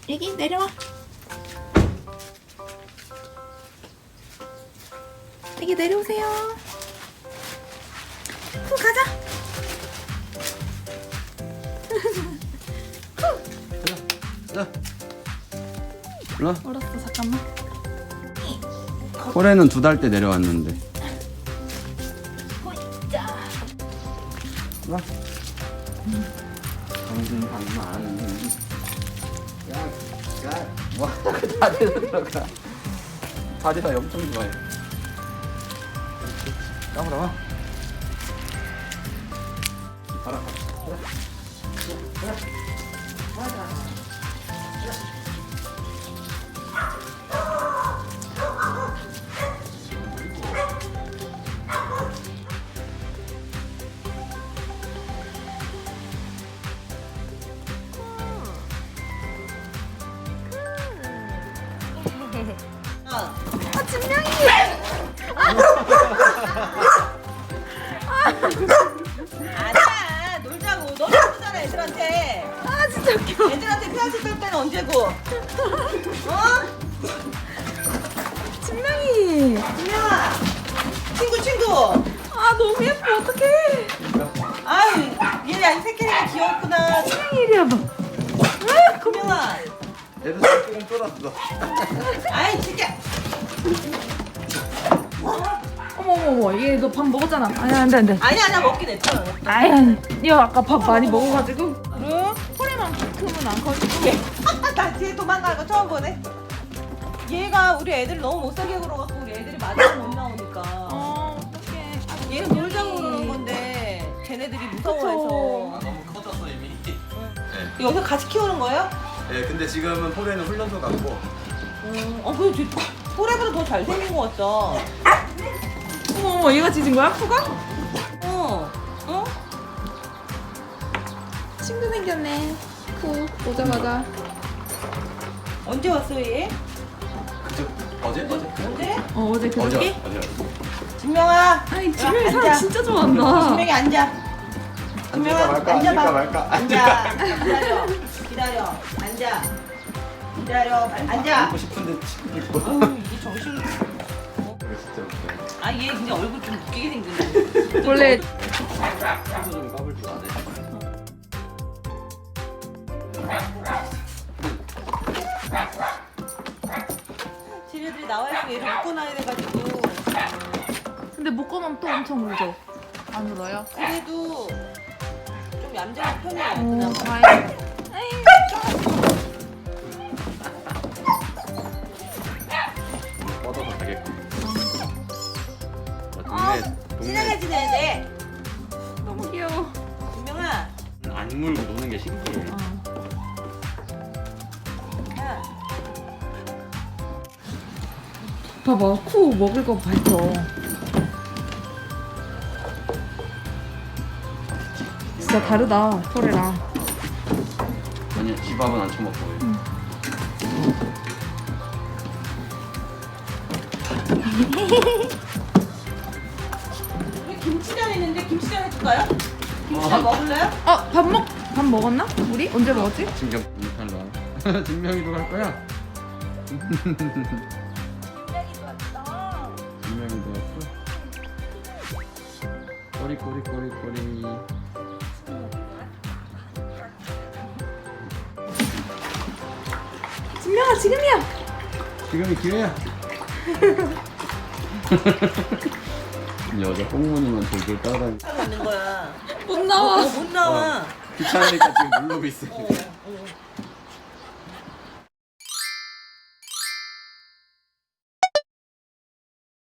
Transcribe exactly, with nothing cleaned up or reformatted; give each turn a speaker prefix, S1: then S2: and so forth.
S1: 애기 내려와. 애기 내려오세요. 후 가자.
S2: 자, 일로.
S1: 얼었어 잠깐만.
S2: 올해는 두 달 때 내려왔는데.
S1: 호이자.
S2: 와. 방금 방금 안 하는데. 야, 야, 와, 다리에서 들어가. 다리가 엄청 좋아해. 까불어 와. 가라. 가라. 가라.
S1: 아 진명이.
S3: 아니야 놀자고 너무 예쁘잖아 애들한테.
S1: 아 진짜 웃겨.
S3: 애들한테 피아스 뺄 때는 언제고? 어?
S1: 진명이.
S3: 진명아 친구 친구.
S1: 아 너무 예뻐 어떡해.
S3: 아유 얘네 새끼니까 귀엽구나.
S1: 진명이 이리 와봐.
S3: 진명아.
S2: 애들 조금 쫄았어.
S3: 아이 진짜.
S1: 어머 어머 어머 얘 너 밥 먹었잖아. 아니 안돼 안돼.
S3: 아니야 나 먹긴 했잖아.
S1: 아이 아니 니 아까 밥 많이 먹어가지고 그래? 허리만큼은 안 커지고.
S3: 나 뒤에 도망가는 거 처음 보네. 얘가 우리 애들 너무 못 살게 굴어갖고 우리 애들이 맞아서 못 나오니까.
S1: 어 어떡해. 아,
S3: 얘는 놀자고 그러는 건데 쟤네들이 무서워해서.
S2: 너무 커졌어 이미. 네.
S3: 여기서 같이 키우는 거예요?
S2: 네, 근데 지금은 폴에는 훈련소 갔고.
S3: 음, 어, 그 포레보다 더 잘생긴 것 같다.
S1: 어머 어머 얘가 짖은 거야? 코가?
S3: 어, 어?
S1: 친구 생겼네. 코 오자마자.
S3: 언제 왔어 얘?
S2: 그저 어제 어제
S3: 언제?
S1: 어 어제 그저께?
S2: 어제.
S3: 진명아.
S1: 아이
S3: 야,
S1: 진명이 사람
S3: 앉아.
S1: 진짜 좋아한다.
S3: 진명이 앉아.
S2: 앉을까
S3: 진명아
S2: 말까
S3: 앉아봐.
S2: 앉을까 말까.
S3: 앉아. 기다려. 기다려. 앉아. 기다려. 앉아.
S2: 앉고 싶은데 지금 있고.
S3: 어우 이게 정신.
S2: 그래 진짜 웃겨.
S3: 아 얘 근데 얼굴 좀 웃기게 생겼네.
S1: 원래
S2: 친구 좀 까불 줄 아네.
S3: 쟤네들이 나와 있으면 얘를 묶고 나야 돼가지고.
S1: 근데 묶어놓으면 또 엄청 울죠. 안 울어요?
S3: 그래도 좀 얌전한 편이야.
S1: 오
S3: 그나마.
S1: 다행이다.
S2: 뻗어서 가겠군.
S3: 어,
S2: 동네
S3: 친하게 지내야 돼.
S1: 너무 귀여워.
S3: 진명아.
S2: 안 물고 노는 게 신기해.
S1: 어.
S3: 야.
S1: 봐봐 쿠 먹을 거 봤죠. 진짜 다르다 소래랑.
S2: 아니야 집밥은 안 처먹고. 응.
S3: 우리 김치전 있는데 김치전 해줄까요? 김치전 먹을래요?
S1: 어 밥 먹 밥 먹었나? 우리 언제 먹었지?
S2: 진경 잘라. 진명이도 갈 거야. 진명이도 왔어. 꼬리 꼬리 꼬리 꼬리.
S1: 진명아 지금이야.
S2: 지금이 기회야. 여자 꽁무니만 돌돌 따라다니.
S3: 하고 있는 거야.
S1: 못 나와.
S3: 어, 못 나와.
S2: 귀찮으니까 지금 누르고 있어.
S3: 어, 어.